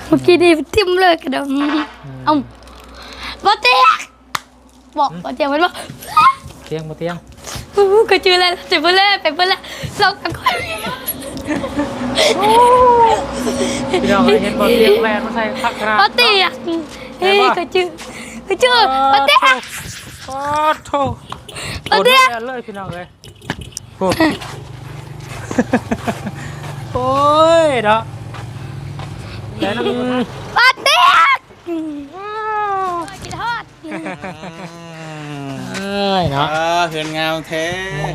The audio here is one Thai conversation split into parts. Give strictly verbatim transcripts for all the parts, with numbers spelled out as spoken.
เมื่อกี้นี่ทิ่มเลยกระดมเอ้าบ่เตียงบอกบ่เตียงมันว่าเตียงบ่เตียงก็ชื่ออะไรจะไปเลยไปไปเลยสองกันคนพี่น้องเห็นบ่เตียงแลนมาใส่พักขนาดบ่เตียงเฮ้ยก็ชื่อก็ชื่อบ่เตียงโอ้โธ่บ่เตียงเลยพี่น้องเลยโอ้โอ้ยเนาะแล้วน้ำบ่เตียงกินทอดเอ้ยเนาะเฮือนงามแท้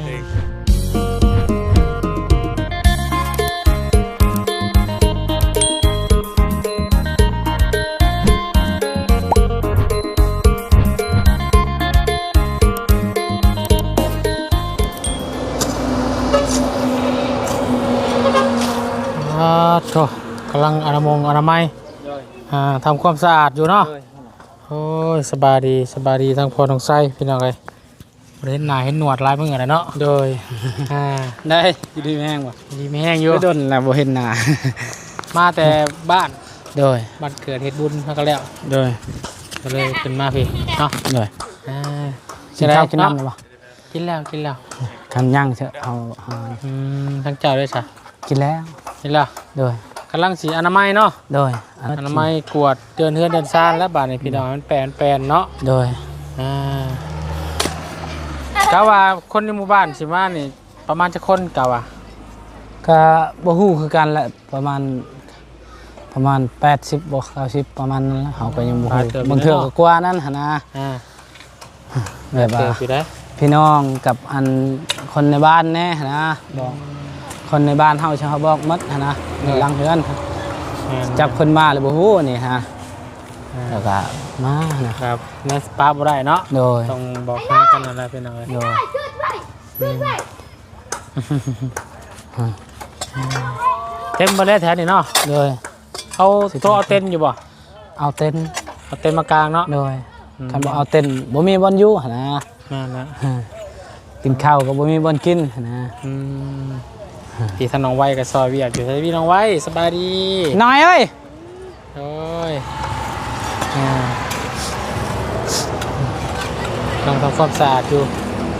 โธ่กำลังอนามัยอนามัยทำความสะอาดอยู่เนาะโอ้ยสบายดีสบายดีทั้งพอทั้งไส้พี่น้องเลยเห็นหน้าเห็นหนวดลายมืออะไรเนาะโดยได้อยู่ดีแห้งว่ะดีไม่แห้งอยู่ไม่โดนแล้วบ่เห็นหน้ามาแต่บ้านโดยบ้านเกิดเฮ็ดบุญมาก็แล้วโดยก็เลยเป็นมาพี่เนาะโดยกินข้าวกินน้ำเลยปะกินแล้วกินแล้วกันย่างเถอะเอาทั้งเจ้าด้วยจ้ะกินแล้วกินแล้วโดยกำลังสีอนามัยเนาะโดยอนามัยกวดเดินเฮือนเดินซ่านแล้วบาดในพี่น้องมันแปลนแปลนเนาะโดยอ่าเกาว่าคนในหมู่บ้านสิมานี่ประมาณจะคนเกาว่าก็บ่ฮู้คือกันแหละประมาณประมาณแปดสิบบ่เก้าสิบประมาณนั้นเฮาก็ยังบ่ฮู้บางเทื่อก็กว่านั้นหั่นนะอ่าแบบว่าพี่น้องกับอันคนในบ้านแน่นะบอกคนในบ้านเฮาชาวบอกมัดนะหลังเฮือนจับคนมาเลยบ่ฮู้นี่ฮะแล้วก็มานะครับนั่นป้าบ่ได้เนาะโดยต้องบอกหากันอะไรเป็นอะไรโดยเต็มบ่ได้แถวนี้เนาะโดยเอาโต๊ะเอาเต็นอยู่บ่เอาเต็นเอาเต็นมากลางเนาะโดยคันบ่เอาเต็นบ่มีบ่อนอยู่หั่นนะนั่นนะกินข้าวก็บ่มีบ่อนกินนะอืมพี่ท่านน้องไว้กับซอยเวียดอยู่ใช่พี่น้องไว้สบายดีน้อยเอ้ยโอ้ยต้องทำความสะอาดอยู่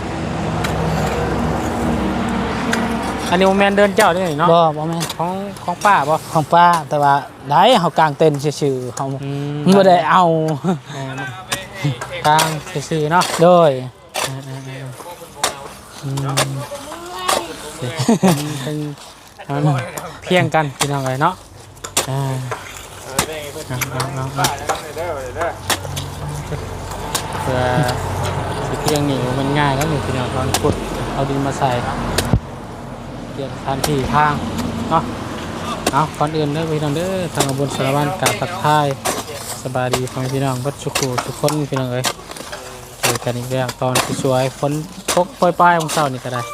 อันนี้โมเมนเดินเจ้าด้วยเนาะบ่บ่แม่นของของป้าบ่ของป้าแต่ว่าได้เฮากางเต็นท์ซื่อๆเฮาบ่ได้เอากางซื่อๆเนาะโดยเป็นเพียงกันพี่น้องเลยเนาะอ่าเพื่อเพียงนี่มันง่ายแล้วหนึ่งพี่น้องตอนขุดเอาดินมาใส่เกี่ยวทานที่ทางเนาะเอาก่อนอื่นเด้อพี่น้องเด้อทางบนสารวัตรกาตักทายสบายดีฟังพี่น้องบัดชุกทุกคนพี่น้องเลยเจอกันอีกแล้วตอนสวยฝนตกปล่อยๆของเช้านี่ก็ได้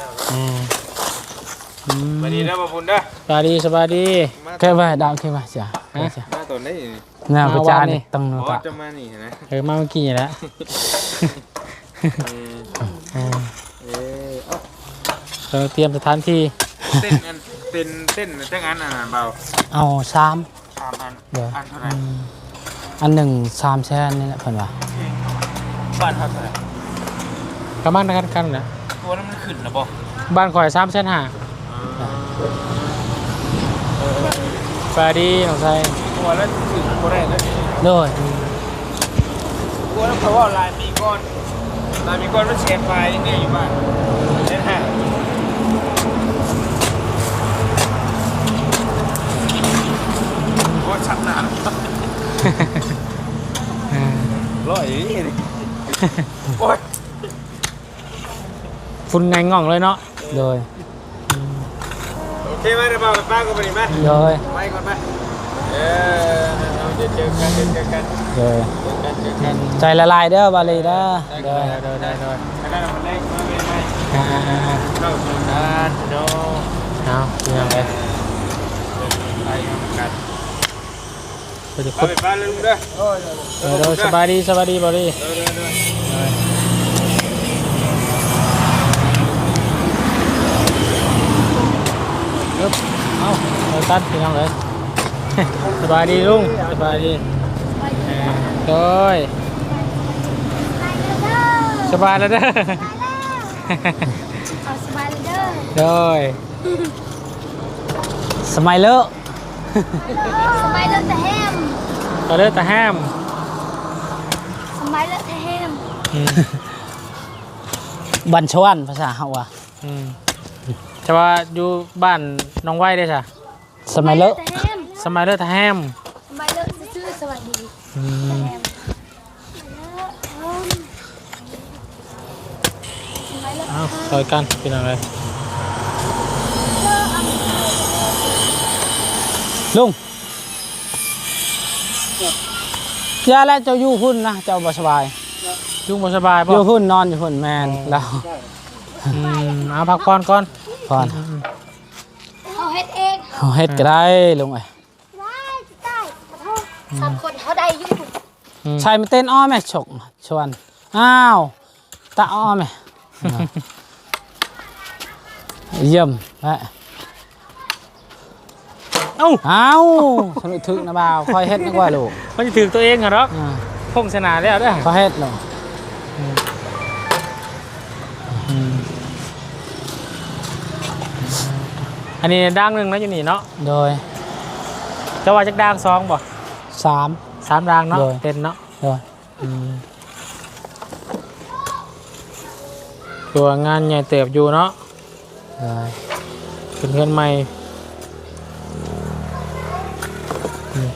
สบายดีนะบ่บุญเด้อสบายดีสบายดีแค่ว่าดาวแค่ว่าจ้ะมาตัวนี้น่าประจานนี่ต้องก็จะมานี่นะเออมาเมื่อกี้แล้วเราเตรียมสถานที่เต้นอันเต้นเต้นเต้นอันอันเบาเอาสามสามอันเดี๋ยวอันเท่าไหร่อันหนึ่งสามแสนนี่แหละเพิ่นว่าบ้านเท่าไหร่ประมาณกันกันนะตัวนั้นมันขึ้นหรือเปล่าบ้านข่อยสามแสนห้าสวัสดีน้องชายตัวแล้วถึงตัวแรกเลยโดยตัวนั้นเพราะว่าลายมีก้อนลายมีก้อนมันแชร์ไฟเนี่ยอยู่บ้านเนี่ยฮะโคตรชัดหนาร้อยนี่โอ๊ยฝุ่นไงง่องเลยเนาะโดยโอเคไหมเดี๋ยวบอกป้าก็ไปดีไหมโดยไปก่อนไหมเออเราจะเจอกันเจอกันโดยใจละลายเด้อบาลีเด้อโดยโดยโดยโดยได้เราเล่นมาไม่ไม่เข้าสู่การโดเอาอย่างไรไปกันไปจะคุดไปบ้านลุงเด้อโดยสบายดีสบายดีบาลีเอาเอาตัดพี่น้องเลยสบายดีลุงสบายดีโดยสบายแล้วเด้อเอาสบายเลยเด้อโดยสมัยเลอะสบายเลยแต่แฮมก็เลิกแต่ห้ามสบายเลยแต่แฮมอืมบัญชวันภาษาเฮาอ่ะอืมแต่ว่าอยู่บ้านน้องไว้ได้จ้ะสมัยเลอะแต่แฮมสมัยเลิกแต่ห้ามสบายเลยซื่อๆสวัสดีอืแต่มแฮมสบายเลยเอาซอยกันเป็นอะไรลุงยาแล้วเจ้าอยู่หุ่นนะเจ้าบ่สบายยุ่งบ่สบายอป่ะยู่หุ่นนอนอยู่หุ่นแมนแล้วอืมเอาพักผ่อนก่อนพอนเอาเฮ็ดเองเอาเฮ็ดก็ได้ลุงเอ้ยได้จะได้ขอโทษสามคนเขาได้อยู่อืมชายมาเต้นอ้อแม่ฉกชวนอ้าวตาอ้อแม่เยี่ยมแม่เอ้าเอ้าสนุกถึกนะบ่าวคอยเฮ็ดนึกว่าลูกมันจะถือตัวเองเหรออ่าพงศนาแล้วเด้อคอยเฮ็ดลูกอืมอันนี้ด่างหนึ่งนะอยู่นี่เนาะโดยจะว่าจักด่างสองบ่สามสามด่างเนาะโดยเต็นเนาะโดยอืมตัวงานใหญ่เติบอยู่เนาะโดยเป็นเพื่อนใหม่อืม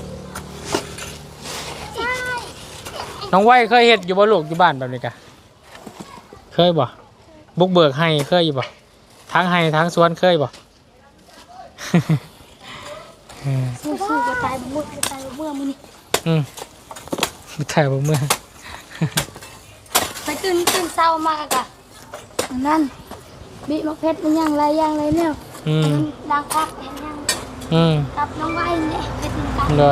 น้องไว้เคยเห็ดอยู่บ่ลูกอยู่บ้านแบบนี้กะเคยบ่บุกเบิกให้เคยอยู่บ่ทั้งให้ทั้งสวนเคยบ่ อืมสู้ๆก็ตายบ่มื้อก็ตายบ่มื้อมื้อนี้อืมถ่ายบ่เมื่อไปตื่นตื่นเช้ามากอะนั่นบิมะเพชรมันยังไรยังไรเนี่ยอืมล้างพักเห็นยังอืมกับน้องไว้เนี่ยเพชรกันเลย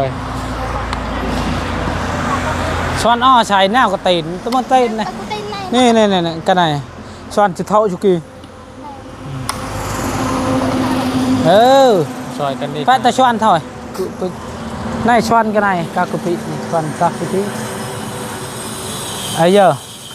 ช้อนอ้อชายแนวก็ตีนตัวมันตีนนะตะกุเต้นในนี่นี่นี่นี่กันไหนช้อนจิเท่าชุกีเออซอยกันดีไปแต่ช้อนเท่าไหร่กูกูนายช้อนกันไหนกากุปิช้อนกากุปิไอ้เยอะ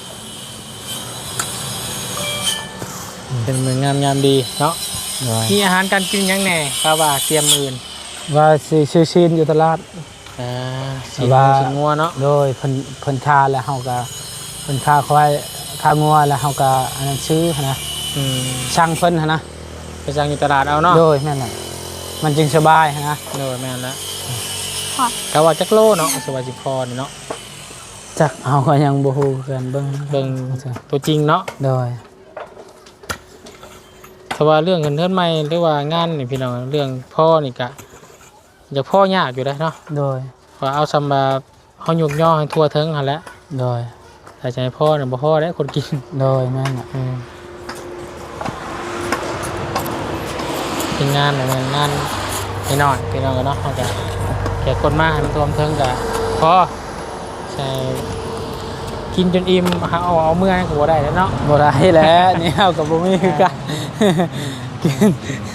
เป็นเหมือนงามงามดีเนาะมีอาหารการกินยังแหน่กาว่าเตรียมอื่นว่าสิซื้อซีนอยู่ตลาดอ่าสีว่าสีงัวเนาะโดยเพิ่นเพิ่นคาแล้วเฮาก็เพิ่นคาควายคางัวแล้วเฮาก็อันนั้นซื้อหั้นนะอืมช่างเพิ่นหั้นนะไปสั่งอยู่ตลาดเอาเนาะโดยแม่นน่ะมันจึงสบายหั้นนะโดยแม่นแล้วกาว่าจักโลเนาะสวัสดิพรเนาะจักเฮาก็ยังบ่ฮู้กันเบิ่งเบิ่งตัวจริงเนาะโดยถ้าว่าเรื่องเงินเทินใหม่หรือว่างานนี่พี่น้องเรื่องพ่อนี่กะอยากพ่อยากอยู่ได้เนาะโดยพอเอาซำบาเฮายุกย่อให้ทั่วถึงหั่นแหละโดยถ้าจะให้พ่อน่ะบ่พ่อได้คนกินโดยแม่นน่ะอืมเป็นงานน่ะมันงานพี่น้องพี่น้องกันเนาะเฮาก็แขกคนมาให้มันท่วมถึงก็พอใช่กินจนอิ่มหาเอาเอาเมื่อยก็บ่ได้แล้วเนาะบ่ได้แล้ว นี่เฮาก็บ่มีคือกันกิน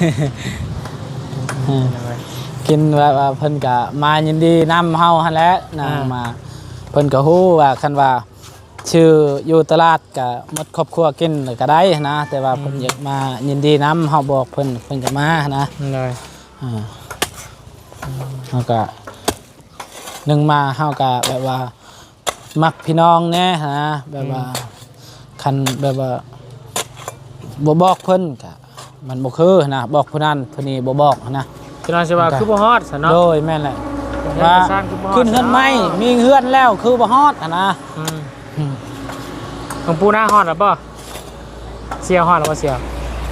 กินว่าว่าเพิ่นก็มายินดีนำเฮาหั่นแหละนะมาเพิ่นก็ฮู้ว่าคันว่าชื่ออยู่ตลาดก็หมดครอบครัวกินก็ได้นะแต่ว่าเพิ่นอยากมายินดีนำเฮาบอกเพิ่นเพิ่นก็มานะเลยอ่าเฮาก็หนึ่งมาเฮาก็แบบว่ามักพี่น้องแน่นะแบบว่าคันแบบว่าบ่บอกเพิ่นก็มันบ่คือนะบอกผู้นั้นผู้นี้บ่บอกนะพี่น้องสิว่าคือบ่ฮอดซะเนาะโดยแม่นแหละว่าว่าสร้างคือบ่ฮอดขึ้นเฮือนไหมมีเฮือนแล้วคือบ่ฮอดอะนะอืมอืมของปูหน้าฮอดหรือเปล่าเสียวฮอดหรือเปล่าเสียว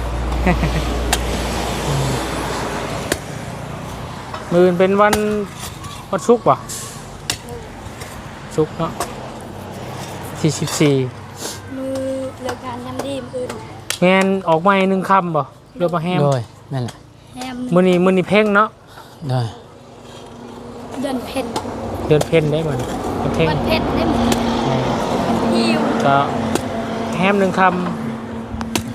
มืออื่นเป็นวันวันศุกร์ป่ะศุกร์เนาะที่สิบสี่มือเลิกงานยำดีมืออื่นแมนออกมาหนึ่งคำป่ะเรือมาแฮมโดยแม่นแหละแฮมมือนี้มือนี้เพ่งเนาะโดยเดินเพ่นเดือนเพ่นได้เหมือนเพ่งวันเพ่นได้หมดหิวก็แฮมหนึ่งค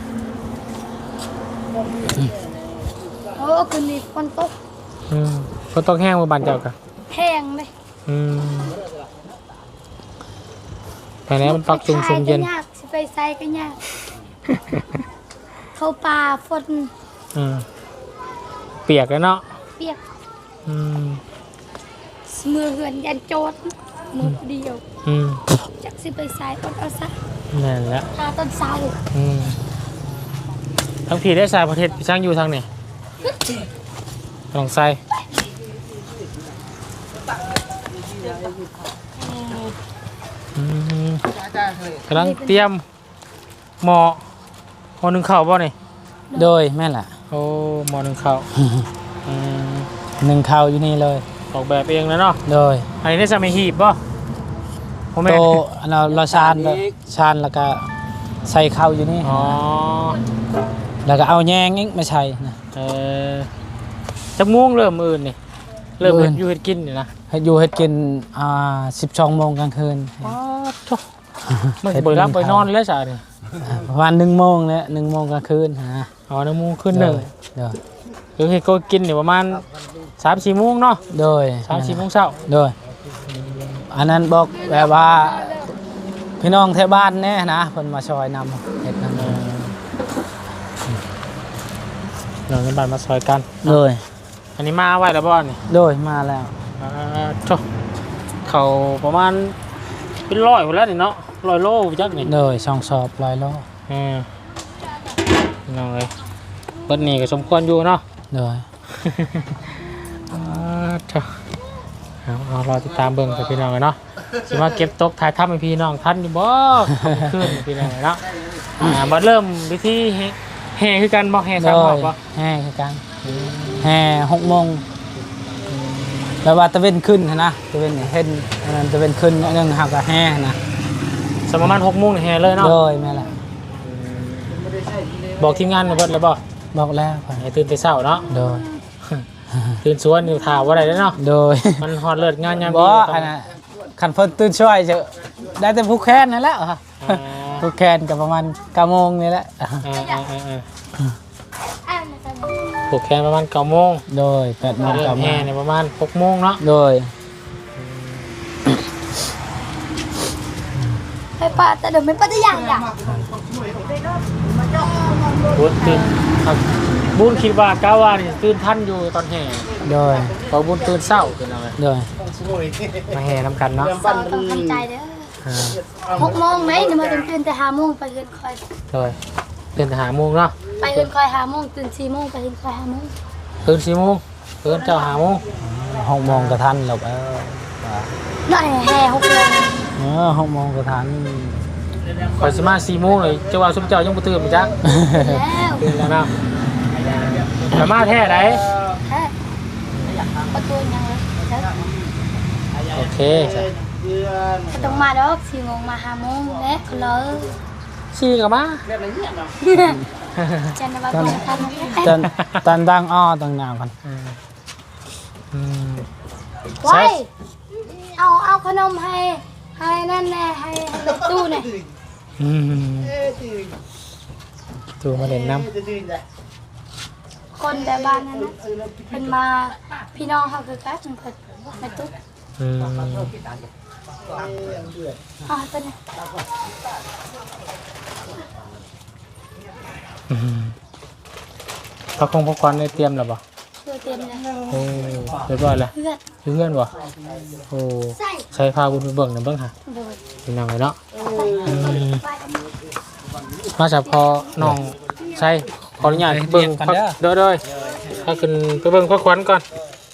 โอ้คืนนี้ฝนตกำอืมฝนตกแห้งมาบานเจ้ากันแห้งเลยอืมไปแล้วมันปักจุงชุมเย็นไปยากสิไปใส่ก็ยาก เข้าป่าฝนอืมเปียกแล้วเนาะเปียกอืมมือเหือนยันโจดมือเดียวอืมจักสิไปใส่อดเอาซะนั่นแหละตาต้นเสาอืมทั้งผีได้สายประเทศช่างอยู่ทางนี่ลองใส่อืมกำลังเตรียมหมอหมอหนึ่งเข่าบ่นี่โดยแม่นล่ะโอ้หมอหนึ่งเข่าอืมหนึ่งข้าวอยู่นี่เลยออกแบบเองแล้วเนาะโดยอันนี้ได้สมัยหีบป่ะพ่อแม่โตอันเราเราชานชานแล้วก็ใส่ข้าวอยู่นี่อ๋อแล้วก็เอาแยงอีกมาใส่นะเออจะม่วงเริ่มอื่นนี่เริ่มมื้ออื่เฮ็ดนอยู่เฮ็ดกินนี่นะให้อยู่เฮ็ดกินอ่าสิบสองโมงกลางคืนอ๋อโธ่มันสิบ่ได้รับบ่ได้นอนแล้วจ้ะนี่อ่าประมาณหนึ่งโมงเนี่ยหนึ่งโมงกลางคืนฮะอ๋อน้ำมูกขึ้นหนึ่งโดยหรือเฮ็ดก็กินนี่ประมาณสามสี่โมงเนาะโดยสามสี่โมงเช้าโดยอันนั้นบอกแบบว่าพี่น้องแถวบ้านแน่นะเพิ่นมาช่วยนำเฮ็ดนำเออเราเงินบาทมาซอยกันโดยอันนี้มาไว้แล้วบ่นี่โดยมาแล้วอ่าโธ่เขาประมาณเป็นร้อยพุ่นแล้วนี่เนาะร้อยโลจักนี่โดยช่องสอบร้อยโลอืมน้องเลยเบิดนี่ก็สมควรอยู่เนาะโดยอ่าเถอะเอาเอารอติดตามเบิ่งกับพี่น้องเลยเนาะสิมาเก็บตกถ่ายทำให้พี่น้องท่านอยู่บ่ขึ้นพี่น้องเลยเนาะอ่ามาเริ่มวิธีแห่แห่คือกันบ่แห่โดสามรอบยบ่แห่คือกันแห่หกโมงแล้วว่าตะเวนขึ้นหั้นนะตะเวนเห็นอันนั้นตะเวนขึ้นอันนึงหักก็แห่นะสมประมาณหกโมงนี่แห่เลยเนาะโดยแม่ล่ะบอกทีมงานเบิดแล้วบ่บอกแล้วเพิ่นให้ตื่นแต่เช้าเนาะโดยตื่นสวนอยู่ท่าบ่ได้เด้อเนาะโดยมันฮอดเลิศงานยามบ่ดีอันน่ะคันเพิ่นตื่นช่วยจะได้แต่ผู้แค้นนั่นแหละอ่าผู้แค้นก็ประมาณเก้าโมงนี่แหละอ่าอ่าอ่าอ่าอ่านนะครับผูกแขนประมาณเก้าโมงโดยแปดโมงเริ่เก้าม โมแห่งเนี่ยประมาณหกโมงเนาะโดยไปป่าแต่เดี๋ยวไม่ป่าจะอย่างอย่างบุญตื่นครับบุญคิดว่ากาว่านี่ตื่นทันอยู่ตอนแห่โดยพอบุญตื่นเศร้าขึ้นเอาเลยโดยมาแห่น้ำกันเนาะเสาต้องทำใจเด้ออ่าหกโมงไหมนี่มาตื่นตื่นแต่ห้าโมงไปเฮือนคอยโดยตื่นแต่หาโมงเนาะไปเฮือนคอยห้าโมงตื่นสี่โมงไปเฮือนคอยห้าโมงตื่นสี่โมงตื่นเจ้าหาโมงหกโมงก็ทันหรอกเออหน่อยแห่หกโมงเออหกโมงก็ทันคอยสิมาสี่โมงเลยเจ้าว่าสุมเจ้ายังบ่ตื่นมั้ยจ๊ะแล้วตื่นแล้วเนาะแต่มาแท้ไหนแค่ประตูยังเลยใช่โอเคก็ต้องมาดอกสี่โมงมาห้าโมงและก็เลยสี่กับมาจันทร์วันพุธทันตอนตอนดังอ้อต้องนาวกันอืมอืมไว้เอาเอาขนมให้ให้นั่นแน่ให้ให้รถตู้เนี่ยอืมตัวมาเล่นน้คนแต่บ้านนั้นนะเป็นมาพี่น้องเขาคือกันเพิ่นไปตุ๊กำอืมอ๋อเป็นไงอืมพระคงพระควันได้เตรียมแล้วบ่เพื่อเตรียมเลยโอ้เรียบร้อยแล้วเพื่อนถึงเงื่อนบ่โอ้ใส่ใช้พาบุญไปเบิ่งหน่อยเบิ่งค่ะโดยเป็นยังไงเนาะไปมาจากพอน้องใช้ขออนุญาตเบิ่งพักเด้อเด้อถ้าขึ้นไปเบิ่งพระควันก่อน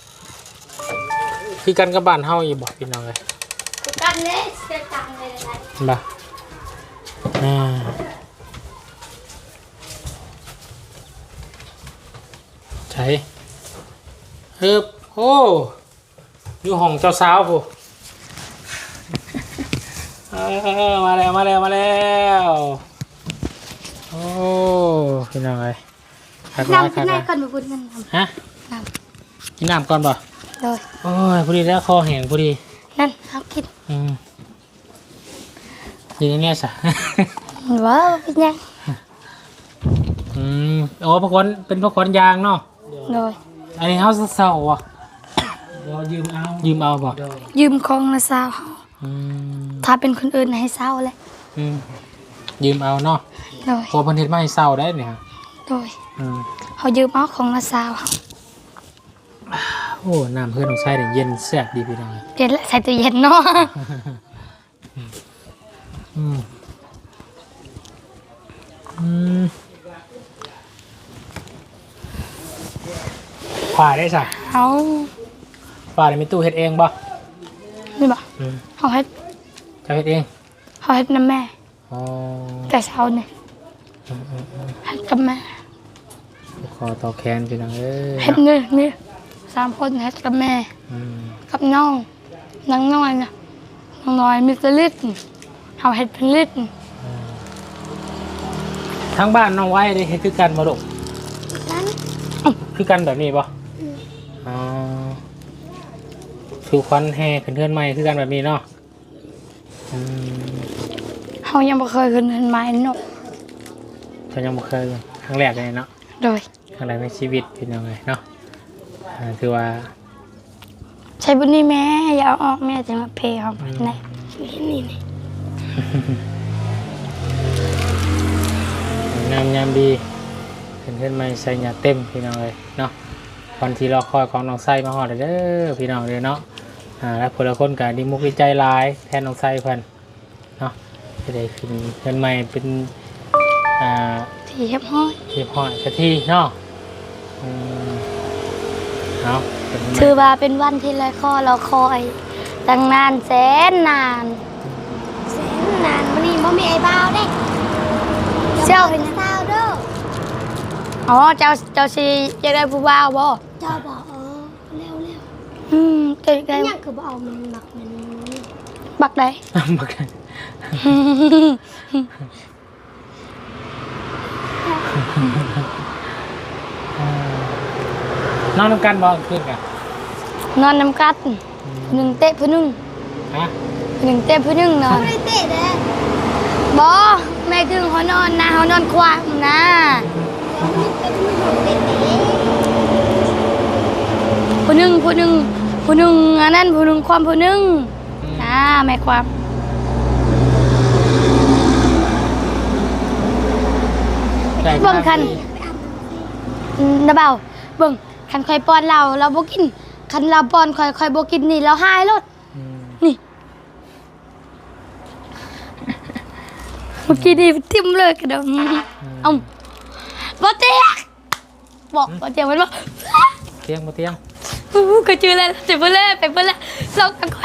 คือกันกับบ้านเฮาอีบ่พี่น้องเอ้ยกันเลยเสียตังค์เลยนะบ่อ่าใช่ฮึบโอ้อยู่ห้องเจ้าสาวผู้ เออมาแล้วมาแล้วมาแล้วโอ้พี่น้องเอ้ยคักหลายน้ำคัขึ้กนหได้ลายคนมาบุญนั่นน้ฮะำน้กินน้ำก่อนป่ะำโดยโอ้ยพอดีแล้วคอแห้งพอดีนั่นเขาคิดอืมอยินเนี่ยสะว้าวเป็นยังอืมโอ้พระควันเป็นพระควันยางเนาะโดยอันนี้เฮาเศร้าๆว่ะยืมเอายืมเอาบ่ยืมของละสาวอืมถ้าเป็นคนอื่นให้เศร้าแหละอืมยืมเอาเนาะโดยพอเพิ่นเฮ็ดมาให้เศร้าได้เนี่ยโดยอืมเขายืมเอาของละสาวโอ้น้ำเพื่อนของไส้เนี่ยเย็นแซ่บดีพี่น้องเย็นและใส่ตู้เย็นเนาะอืมอืมฝ่าได้สักเอาฝ่าได้มีตู้เฮ็ดเองบ่นี่บ่อืมเขาให้เจะเฮ็ดเองเขาให้น้ำแม่อ๋อแต่เช้าเนี่ยอืมอืมอืมให้กับแม่ขอต่อแขนพี่น้องเอ้ยเฮ็ดนี่นี่สามคนเฮ็ดกับแม่อืมกับน้องน้องน้อยนะน้องน้อยมีแตลิตเขาเฮ็ดเป็นลิตทั้งบ้านน้องไว้ได้เฮ็ดคือกันบ่ลูกนั้นคือกันแบบนี้บ่อ๋อคือควันแห่ขึ้นเทือนใหม่คือกันแบบนี้เนาะอืมเขายังบ่เคยขึ้นเห็นไม้นกฉันยังบ่เคยเลยครั้งแรกเลยเนาะโดยครั้งแรกในชีวิตเป็นยังไงเนาะอ่าถือว่าใช้บุญนี่แม่อย่าเอาออกแม่จะมาเพย์เขาไปไหนนี่นี่นี่งามยามดีขึ้นเทือนใหม่ใส่หยาเต็มพี่น้องเลยเนาะวันที่รอคอยของน้องไส้มาฮอดเด้อพี่น้องเลยเนาะอ่าแล้วคนละคนก็ดีมุกดีใจหลายแทนน้องไส้เพิ่นเนาะจะได้ขึ้นเทือนใหม่เป็นอ่าที่เฮ็บห้อยเรียบร้อยสักทีเนาะอืมเอาเป็นไงถือว่าเป็นวันที่ไรข้อเราคอยตั้งนานแสนนานแสนนานวันนี้บ่มีไอ้บ่าวเด้เจ้าเป็นสาวเด้ออ๋อเจ้าเจ้าสิอยากได้ผู้บ่าวบ่เจ้าบอกเออเร็วเร็วอืมเจ้าอยากได้ยังคือบอกเอามันหมักมันบักได้บักกันน้องน้ำกันบอกขึ้นกันนอนน้ำกัดหนึ่งเตะผู้หนึ่งฮะหนึ่งเตะผู้หนึ่งนอนไม่เตะเลยบอแม่คือเขานอนนะเขานอนควางนะเป็นมือของเตะเตะผู้หนึ่งผู้หนึ่งผู้หนึ่งอันนั้นผู้หนึ่งความผู้หนึ่งนะแม่ความได้เบิ่งคันนะเบาเบิ่งคันคอยป้อนเราเราบ่กินคันเราป้อนคอยคอยบ่กินนี่เราหายรถอืมนี่เมื่อกี้นี่ทิ่มเลยกระดมเอ้าบ่เตียกบอกบ่เตียกมันว่าเตียงมาเตียงอู้ก็เจอแล้วเจ็บไปเลยไปไปแล้วเรากันก่อน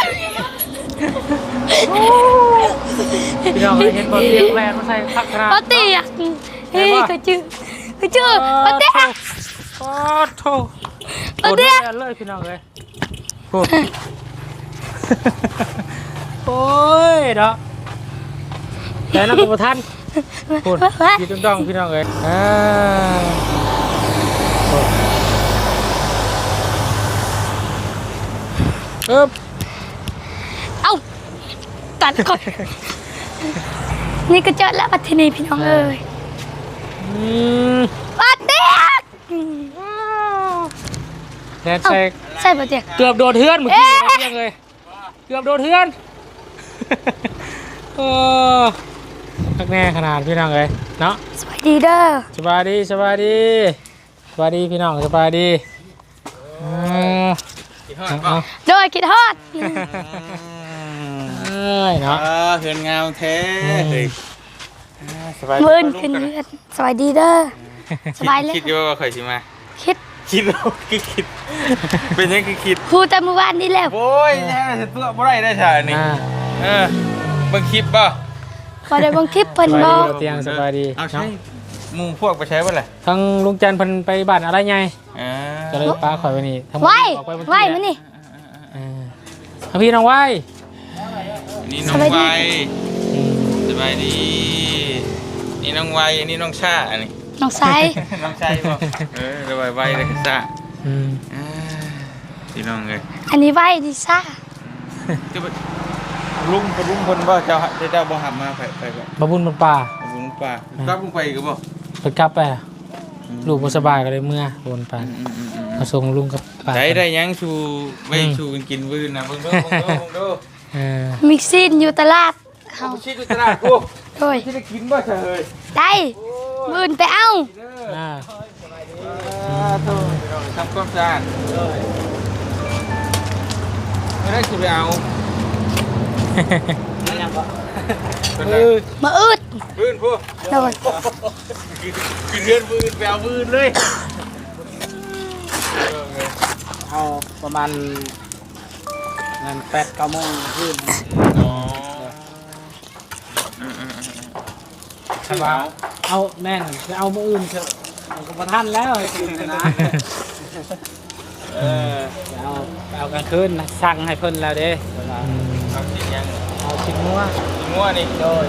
พี่น้องเห็นบอลเตียงแรงมาใส่พักกระบ่เตียกเฮ้ยก็เจอก็เจอบ่เตียกโอ้โถบ่เตียกเลยพี่น้องเลยพูดโอ้ยเนาะแต่นักประทันพูดยืดจ้องพี่น้องเลยอ่าเอ๊บเอ้าตัดก่อนนี่ก็เจอแล้วปัทนีพี่น้องเอ้ยอืมบ่เตียกแดนใส่ใช่บ่เตียกเกือบโดนเทือนเมื่อกี้นะพี่น้องเลยเกือบโดนเทือนโอ้ทักแน่ขนาดพี่น้องเลยเนาะสวัสดีเด้อสบายดีสบายดีสบายดีพี่น้องสบายดีเออเอาโดยคิดฮอดเอ้ยเนาะเออเฮือนงามแท้เฮ้ยสบายมื่นขึ้นเรือนสวัสดีเด้อสบายเลยคิดอยู่ว่าข่อยสิมาคิดคิดแล้วคือคิด เป็นยังคือคิดพูดแต่เมื่อวานนี้แล้วโอ้ยแย่เลยตัวบ่ได้ได้ใช่นี่อ่าเออเบิ่งคลิปป่ะพอได้เบางคลิปเพิ่นสบบายอดีกเตียงสบายดีเอาใช่เนาะหมู่พวกไปใช้บ่ล่ะทั้งลุงจันทร์เพิ่นไปบ้านอะไรไงเออก็เลยป้าข่อยไว้นี่ทั้งหมดไหวออกปเมื่อกี้ไหวมานี่เออเอาพี่น้องไหวนี่น้องไวสบายดี นี่น้องไวอันนี้น้องชาอันนี้น้องไซน้องชายบ่เออสบายไวเลยชาอืมอ่าพี่น้องเอ้ยอันนี้ไหวดิซ่าจะไปลุงกับลุงเพิ่นบ่เจ้าเจ้าบ่หับมาไปไปบ่บะบุญบนป่าลุงป่ากับลุงไปก็บ่เปิดกลับไปอะลูกบ่สบายก็เลยเมื่อโอนไปมาส่งลุงกับป้าได้ได้ยังชูไว้ชูกันกินมื้อนะเบิ่งเด้อเบิ่งเด้อเบิ่งเด้อเออมิกซินอยู่ตลาดเฮาเอาชิดอยู่ตลาดกูโดยสิได้กินบ่เฉยได้มื้อนไปเอาเด้ออ่าอ่าโทษพี่น้องทำความสะอาดไม่ได้สิไปเอาเป็นเอไรอมาอึดพื้นพวกโดยกินเรือนพื้นไปเอาพื้นเลยเอาประมาณงานแปดเก้าโมงขึ้นอ๋อใช่ป่ะเอาแม่นจะเอามืออื่นเถอะเอากระทันแล้วไอ้กินนะเออจะเอาเอากลางคืนนะสั่งให้เพิ่นแล้วเด้อืมเอาชิ้นยังเอาชิ้นงัวชิ้นงัวนี่โดย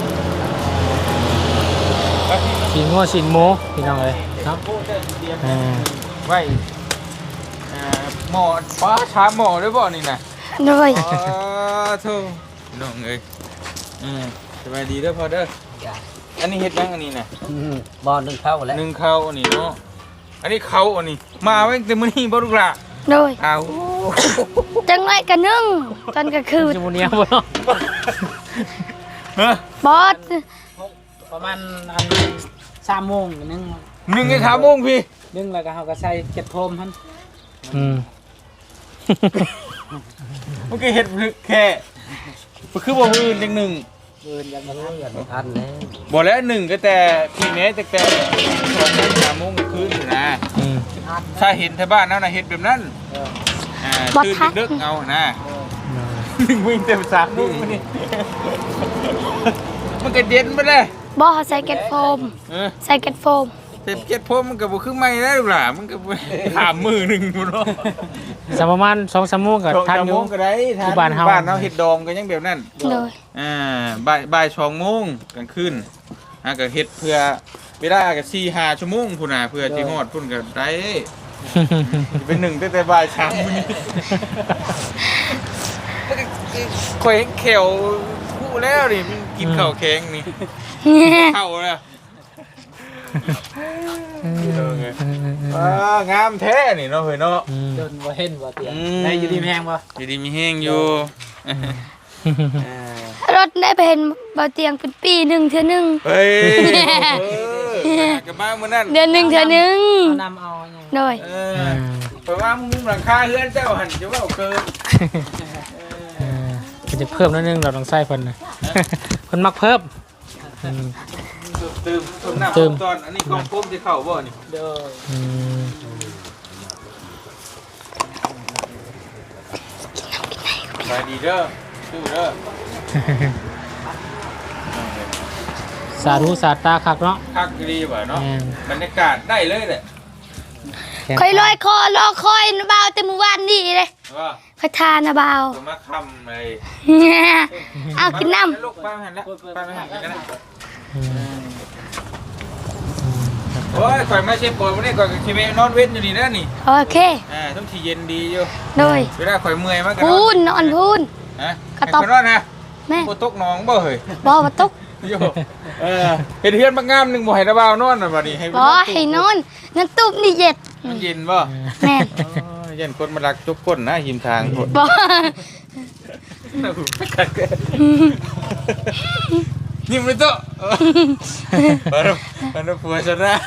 แล้วที่สินงัวสินหมูพี่น้องเอ้ยเนาะพูดได้เตรียมอ่าไว้อ่าหม้อป้าชาหม้อด้วยบ่นี่นะโดยอ๋อโธ่น้องเอ้ยอืมสบายดีเด้อพ่อเด้ออันนี้เฮ็ดยังอันนี้น่ะบอลหนึ่งเข้าแล้วนึ่งข้าวอันนี้เนาะอันนี้เขาอันนี้มาไว้แต่มื้อนี้บ่ลูกหล่ะโดยอ้าวจังไรกันนึ่งตอนกลางคืนสิบ่เนี้ยบ่เนาะฮะบอสประมาณอันสามโมงนึงหนึ่งไอ้ขาโมงพี่นึงแล้วก็เขาก็ใส่เก็ดโพรมท่านอืมเมื่อกี้เฮ็ดแค่บ่คือบ่มื้ออื่นจังหนึ่งเดินยังมาเลื่อนทันแล้วบ่แล้วหนึ่งก็แต่พี่แม่แต่แต่สองโมงสามโมงคืนนี่นะอืมถ้าเห็นแถวบ้านแล้วน่ะเฮ็ดแบบนั้นอ่าตื่นดึกๆเอานะหนึ่งวิ่งเต็มสามโมงมื้อนี้มันก็เย็นบ่ได้บอสใส่เก็ตโฟมเออใส่เก็ตโฟมเต็มเจ็ดพมมันก็บ่คือไม่ได้ลูกหล่ะมันก็บ่ถามมือหนึงพุ่นเนาะสักประมาณสองสามโมงก็สองทันสามอโมยู่งก็ได้ทานที่บ้านเฮาบ้านเฮาเฮ็ดดองก็ยังแบบนั้นโดยอ่าบ่ายบ่ายสองโมงกลางคืนอ่าก็เฮ็ดเพื่อเวลาก็สี่ห้าชั่วโมงพุ่นน่ะเพื่อสิฮอดพุ่นก็ได้เป็นหนึ่งตั้งแต่บ่ายสามมื้อนี้มันก็ข่อยเห็นแขวคู่แล้วนี่มันกินข้าวแข็งนี่เข้าแล้วอ่างามแท้นี่เนาะเฮ้ยเนาะอืมเดินบ่เห็นบ่เตียงอืมได้อยู่ดีแพงบ่อยู่ดีมีแห้งอยู่รถได้ไปเห็นเบาเตียงเป็นปีหนึ่งเทื่อหนึ่งเฮ้ยเออกลับมาเมื่อนั้นเดือนหนึ่งเทื่อหนึ่งเอานำเอาเนี่ยโดยเออเพราะว่ามุมหลังคาเฮือนเจ้าหันจะว่าเกินเออก็จะเพิ่มนิดนึงเราต้องใส่เพิ่นนะเพิ่นมักเพิ่มอืมเติมต้นน้ำเติมตอนอันนี้กองพุ่มที่เข้าบ่นี่เด้ออืมไปดีเด้อสู้เด้อสาธุสาตาคักเนาะคักดีว่ะเนาะแม่นบรรยากาศได้เลยแหละแข็งคอยลอยคอรอคอยนะเบาแต่เมื่อวานนี่เลยว่าคอยทานนะเบาตัวมาคำเลยเอากินน้ลูกป้าหันแล้วป้าไม่หันกันนะอืมโอ้ยข่อยมาเช็ดปวดวันนี้ข่อยกับชีเมนอนเว้นอยู่นี่นะนี่ำโอเคอ่าต้องที่เย็นดีอยู่โดยเวลาข่อยเมื่อยมากพูนนอนพูนฮะกระต๊อบให้ข่อยนอนนะแม่โคตกหน้องบ่เฮ้ยบอมาตุกโยเออเห็นเพื่อนมางามหนึ่งบ่ให้ระบาวนอนน่ะบัดนี้ให้บอให้นอนนั่นตุบนี่เย็ดมันเย็นบ่แม่โอ้ยเย็นคนมารักจุกก้นนะหิมทางโพดบอยิ้มเลยโตะเออมันมันผัวฉันนะ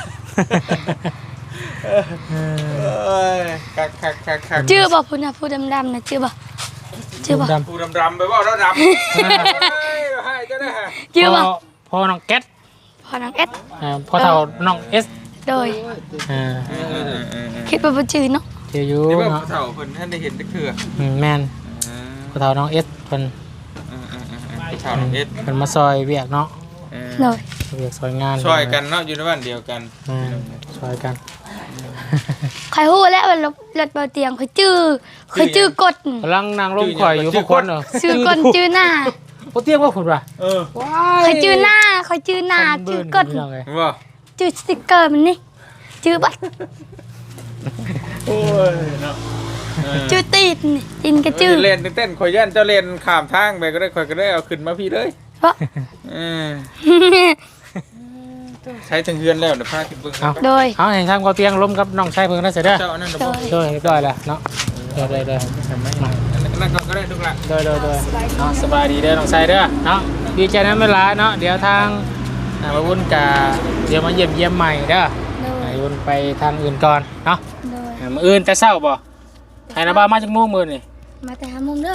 เอ้ยคักคักคักคักชื่อบอกพูดนะพูดดำๆนะชื่อบอกชื่อบอกดำผู้ดำดำไปบ่แล้วดำเฮ้ยให้เจ้าได้ฮะชื่อบอกพ่พ่อน้องแก๊สพอน้องเอสอ่าพ่อเฒ่าน้องเอสโดยอ่าเออเออเออเออคิดว่าบ่ชื่อเนาะเจออยู่นี่ว่าเนาะผู้เฒ่าเพิ่นท่านได้เห็นตะเคืออืมแม่นเออพ่อเฒ่าน้องเอสเพิ่นเออเออเออเออผู้เฒ่าน้องเอ็ดเพิ่นมาซอยเวียกเนาะเออโดยเวียกซอยงานช่วยกันเนาะอยู่ในบ้านเดียวกันอ่าซอยกันใครฮู้แล้วว่ารถรถเบาเตียงเขาชื่อเขาชื่อกดกำลังนั่งลงข่อยอยู่พวกคนเหรอชื่อกดชื่อหน้าโอ้เตี้ยว่าคุณว่ะเออเขาชื่อหน้าเขาชื่อหน้าชื่อกดพี่น้องเอ้ยว่าชื่อสติ๊กเกอร์มันนี่ชื่อบัตรโอ้ยเนาะเออชื่อตีนนี่ตีนก็ชื่อเล่นเต้นข่อยย่านเจ้าเล่นข้ามทางไปก็ได้ข่อยก็ได้เอาขึ้นมาพี่เลยเพราะเออใช้ทั้งเฮือนแล้วเดี๋ยวพาขึ้นเบิ่งเอาโดยเอาให้ทางก็เตียงล้มกับน้องชายเพิ่นนั่นเสร็จเด้อเจ้าอันนั้นเดี๋ยวโดบ่ยช่วยเรียบร้อยแล้วเนาะเด้อเด้อเด้อทำไมอันนั้นก็ได้ทุกละเด้อเด้อเด้อเนาะสบายดีเด้อน้องชายเด้อเนาะดีใจนั้นเวลาเนาะเดี๋ยวทางอ่ามาวุ่นกะเดี๋ยวมาเยี่ยมเยี่ยมใหม่เด้อโดยมาวุ่นไปทางอื่นก่อนเนาะโดยอ่ามื้ออื่นแต่เช้าบ่ให้นะบ่าวมาจากโมงมื้อนี่มาแต่หามุมเด้อ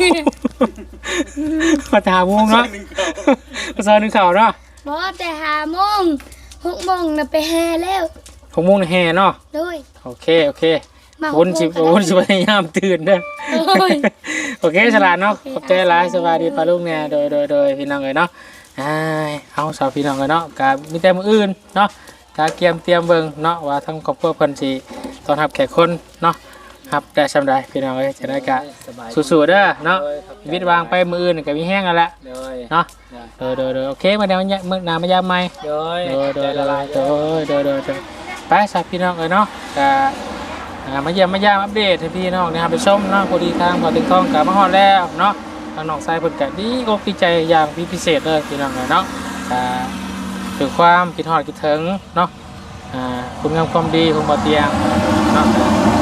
มาถามโมงเนาะมาซอยหนึงข่าวเนาะบ่แต่หาโมงหกโมงน่ะไปแห่แล้วหกโมงนี่แห่เนาะโดยโอเคโอเคมาหกวุ่นโมงสิก็ได้วุ่นสิพยายามตื่นเด้อโอ้ยโอเคฉลาดเนาะขอบใจหลายสวัสดีปลาลูกเนี่ยโดยโดยโดยพี่น้องเลยเนาะอ้ายเอาสาวพี่น้องเลยเนาะกามีแต่มื้ออื่นเนาะกาเกียมเตรียมเบิ่งเนาะว่าทั้งครอบครัวเพิ่นสิต้อนรับแขกคนเนาะครับได้ซำใดพี่น้องเอ้ยจะได้กะสู้ๆเด้อเนาะวิทย์วางไปมื้ออื่นก็มีแห้งกันละโดยเนาะโดยโดยโดยโอเคมาเดี๋ยวมื้อหน้ามายามใหม่โดยโดยโดยโดยโดยโดยโดยโดยไปสาวพี่น้องเอ้ยเนาะกะอ่ามาเยี่ยมมายามอัปเดตให้พี่น้องนะครับไปชมเนาะพอดีทางพอถึงทองกลับมาฮอดแล้วเนาะทางน้องชายเพิ่นก็ดีอกดีใจอย่างพิเศษเลยพี่น้องเอ้ยเนาะกะคือความคิดฮอดคิดถึงเนาะอ่าคุณงามความดีของบ่เตียงเนาะ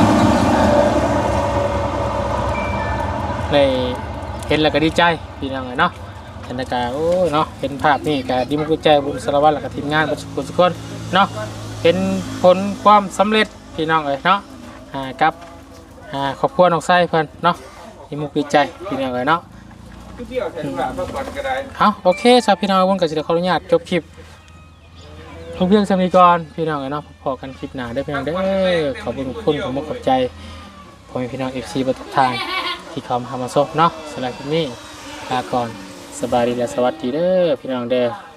เลยเห็นแล้วก็ดีใจพี่น้องเอ้ยเนาะเห็นแล้วก็โอ้ยเนาะเห็นภาพนี่ก็ดีมุกดีใจบุญสารวัตรแล้วก็ทีมงานทุกคนทุกคนเนาะเป็นผลความสำเร็จพี่น้องเอ้ยเนาะอ่ากับอ่าครอบครัวน้องไส้เพิ่นเนาะดีมุกดีใจพี่น้องเอ้ยเนาะเที่ยวแทนละพักผ่อนก็ได้เอาโอเคสำหรับพี่น้องวันก็จะขออนุญาตจบคลิปเพียงสำนีก่อนพี่น้องเอ้ยเนาะพอกันคลิปหน้าได้อพี่น้องเด้อขอบคุณทุกคนขอบคุณขอบใจพ่อแม่พี่น้อง เอฟ ซี ประทุกทางที่เข้ามาหามาซบเนาะสำหรับคลิปนี้ลาก่อนสบายดีและสวัสดีเด้อพี่น้องเด้อ